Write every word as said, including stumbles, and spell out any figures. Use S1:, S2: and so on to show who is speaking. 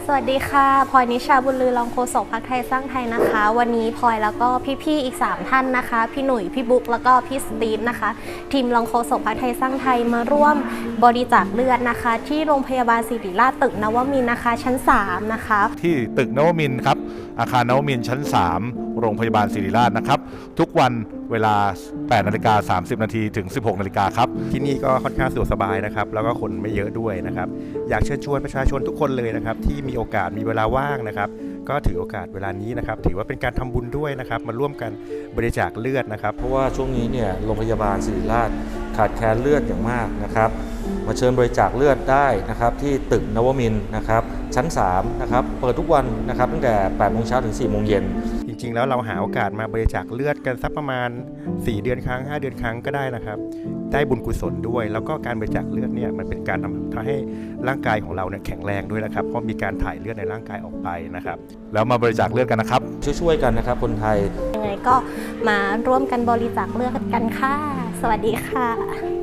S1: สวัสดีค่ะพลอยนิชาบุญลือรองโฆษกพรรคไทยสร้างไทยนะคะวันนี้พลอยแล้วก็พี่ๆอีกสามท่านนะคะพี่หนุ่ยพี่บุ๊กแล้วก็พี่สตีฟนะคะทีมรองโฆษกพรรคไทยสร้างไทยมาร่วมบริจาคเลือดนะคะที่โรงพยาบาลศิริราชตึกนวมินทร์นะคะชั้นสามนะคะ
S2: ที่ตึกนวมินทร์ครับอาคารนวมินทร์ชั้นสามโรงพยาบาลศิริราชนะครับทุกวันเวลา แปดนาฬิกาสามสิบนาทีถึง สิบหกนาฬิกาครับ
S3: ที่นี่ก็ค่อนข้างสะดวกสบายนะครับแล้วก็คนไม่เยอะด้วยนะครับอยากเชิญชวนประชาชนทุกคนเลยนะครับที่มีโอกาสมีเวลาว่างนะครับก็ถือโอกาสเวลานี้นะครับถือว่าเป็นการทำบุญด้วยนะครับมาร่วมกันบริจาคเลือดนะครับ
S4: เพราะว่าช่วงนี้เนี่ยโรงพยาบาลศิริราชขาดแคลนเลือดอย่างมากนะครับมาเชิญบริจาคเลือดได้นะครับที่ตึกนวมินทร์นะครับชั้นสามนะครับเปิดทุกวันนะครับตั้งแต่แปดโมงเช้าถึงสี่โมงเย็น
S3: จริงๆแล้วเราหาโอกาสมาบริจาคเลือดกันสักประมาณสี่เดือนครั้งห้าเดือนครั้งก็ได้นะครับได้บุญกุศลด้วยแล้วก็การบริจาคเลือดเนี่ยมันเป็นการทำให้ร่างกายของเราเนี่ยแข็งแรงด้วยนะครับเพราะมีการถ่ายเลือดในร่างกายออกไปนะครับ
S2: แล้วมาบริจาคเลือดกันนะครับ
S4: ช่วยๆกันนะครับคนไทย
S1: ยังไงก็มาร่วมกันบริจาคเลือดกันค่ะสวัสดีค่ะ